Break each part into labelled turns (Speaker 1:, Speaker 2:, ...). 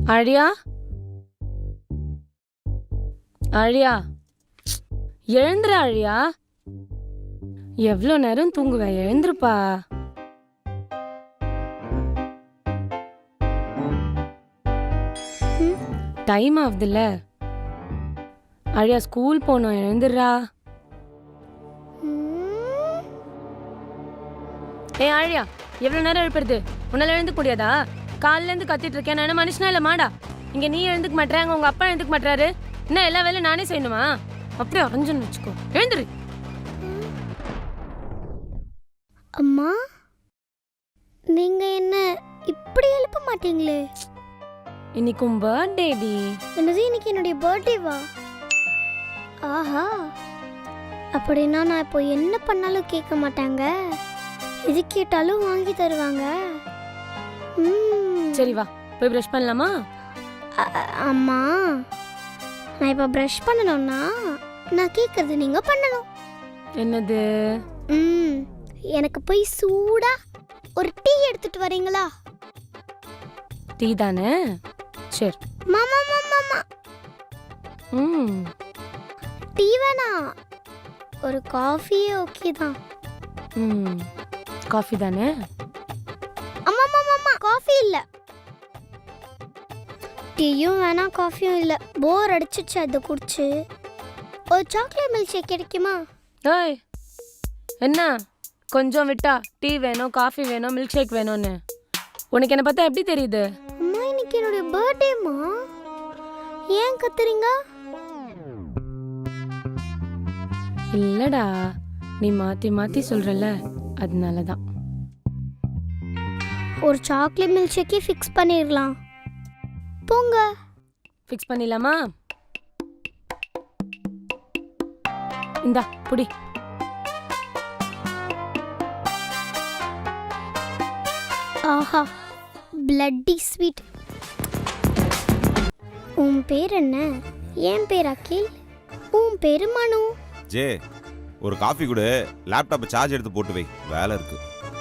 Speaker 1: ஆழியா, ஆழியா, எழுந்துரு ஆழியா. எவ்வளோ நேரம் தூங்குவ? எழுந்துருப்பா. டைம் ஆகுதுல்ல. ஆழியா, ஸ்கூல் போனோம், எழுந்துடுறா. ஏய் ஆழியா, எவ்வளோ நேரம் எழுப்புறது? உன்னால எழுந்துக்க முடியாதா? காலையில இருந்து கத்திட்டு இருக்கேன். நான் என்ன மனுஷனா இல்லை மாடா? இங்க நீ எழுந்துக்க மாட்டேறாங்க, உங்க அப்பா எழுந்துக்க மாட்டாரு. என்ன எல்லா வேலையும் நானே செய்யணுமா? அப்படியே அரைஞ்சுன்னு வச்சுக்கோ. எழுந்துரு.
Speaker 2: அம்மா, நீங்க என்ன இப்படி எழுப்ப மாட்டீங்களே?
Speaker 1: இன்னைக்கு உன் பர்த்டே டி.
Speaker 2: என்னது, இன்னைக்கு என்னுடைய பர்த்டேவா? ஆஹா, அப்படின்னா நான் இப்போ என்ன பண்ணாலும் கேட்க மாட்டாங்க, எது கேட்டாலும் வாங்கி தருவாங்க.
Speaker 1: சரி வா, போய் ப்ரஷ் பண்ணலாமா?
Speaker 2: அம்மா, நான் இப்போ ப்ரஷ் பண்ணணும்னா நான் கேட்கறது நீங்க பண்ணணும்.
Speaker 1: என்னது?
Speaker 2: எனக்கு போய் சூடா ஒரு டீ எடுத்துட்டு வரீங்களா?
Speaker 1: டீ தானே? சரி.
Speaker 2: மாமா மாமா மாமா, டீ வேணாம், ஒரு காஃபியே ஓகே தான்.
Speaker 1: காஃபி தானே?
Speaker 2: அம்மா மாமா மாமா, காஃபி இல்ல. டீயும் வேணாம், காஃபியும் இல்ல. போர் அடிச்சிச்சு அதை குடிச்சு. ஒரு சாக்லேட் மில்க் ஷேக் கிடைக்குமா?
Speaker 1: ஏய், என்ன கொஞ்சம் விட்டா டீ வேணும், காஃபி வேணும், மில்க் ஷேக் வேணும்னு? உனக்கு என்ன பார்த்தா எப்படி தெரியுது?
Speaker 2: அம்மா, இன்னைக்கு என்னுடைய பர்த்டேமா, ஏன் கத்துறீங்க?
Speaker 1: இல்லடா, நீ மாத்தி மாத்தி சொல்றல, அதனாலதான்.
Speaker 2: ஒரு சாக்லேட் மில்க் ஷேக்கே ஃபிக்ஸ் பண்ணிடலாம். போங்க.
Speaker 1: ஃபிக்ஸ் பண்ணிடலாமா? இந்தா புடி.
Speaker 2: ஆஹா, பிளட்டி ஸ்வீட். உன் பேர் என்ன? என் பேர் அகில். உன் பேரு மனு.
Speaker 3: ஜே, ஒரு காஃபி கொடு. லேப்டாப் சார்ஜ் எடுத்து போட்டு வை, வேலை இருக்கு.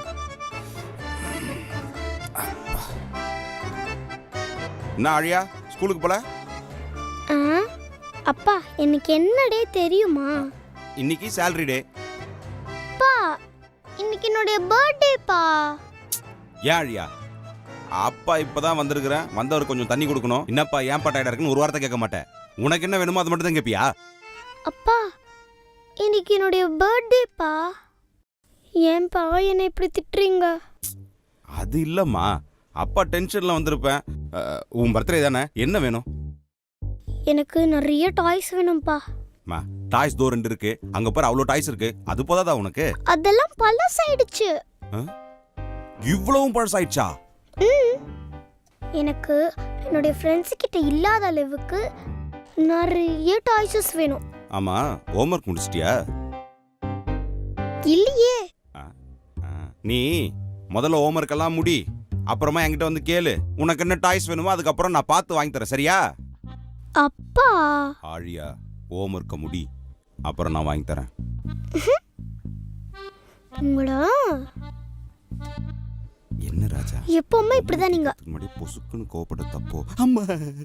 Speaker 3: என்ன ஆழியா, ஸ்கூலுக்கு போல?
Speaker 2: அப்பா, எனக்கு என்ன டே தெரியுமா?
Speaker 3: இன்னைக்கு சேலரி டே.
Speaker 2: அப்பா, இன்னைக்கு என்னுடைய பர்த்டேப்பா.
Speaker 3: ஏன் ஆழியா, அப்பா இப்பதான் வந்திருக்கிறேன், வந்தவர் கொஞ்சம் தண்ணி கொடுக்கணும். என்னப்பா ஏன் டயர்டா இருக்குன்னு ஒரு வார்த்தை கேட்க மாட்டேன். உனக்கு என்ன வேணுமோ அது மட்டும் தான் கேட்பியா?
Speaker 2: அப்பா, இன்னைக்கு என்னுடைய பர்த்டேப்பா. ஏன்பா என்னை இப்படி திட்டுறீங்க?
Speaker 3: அது இல்லம்மா, அப்பா டென்ஷன்ல வந்திருப்பேன். உன் பர்த்டே தானே, என்ன வேணும்?
Speaker 2: எனக்கு நிறைய டாய்ஸ் வேணும்பா.
Speaker 3: டாய்ஸ் தோ 2 இருக்கு, அங்க பாரு அவ்வளோ டாய்ஸ் இருக்கு. அது போதாதா உனக்கு?
Speaker 2: அதெல்லாம் பழசாயிடுச்சு.
Speaker 3: இவ்வளவும் பழசாயிடுச்சா?
Speaker 2: எனக்கு என்னுடைய ஃப்ரெண்ட்ஸ் கிட்ட இல்லாத அளவுக்கு நிறைய டாய்ஸஸ் வேணும்.
Speaker 3: ஆமா, ஹோம்வொர்க் முடிச்சிட்டியா?
Speaker 2: இல்லையே.
Speaker 3: நீ முதல்ல ஹோம்வொர்க் எல்லாம் முடி, அப்புறமா என்கிட்ட வந்து கேளு. உனக்கு என்ன டாய்ஸ் வேணுமோ அதுக்கப்புறம் நான் பார்த்து வாங்கி தரேன், சரியா?
Speaker 2: அப்பா,
Speaker 3: ஆழியா, ஹோம்வொர்க்க முடி, அப்புறம் நான் வாங்கி தரேன்.
Speaker 2: உங்களா
Speaker 3: என்ன ராஜா,
Speaker 2: எப்பவுமே இப்படிதான் நீங்க.
Speaker 3: முன்னாடி பொசுக்குன்னு கோபப்பட தப்போ? அம்மா.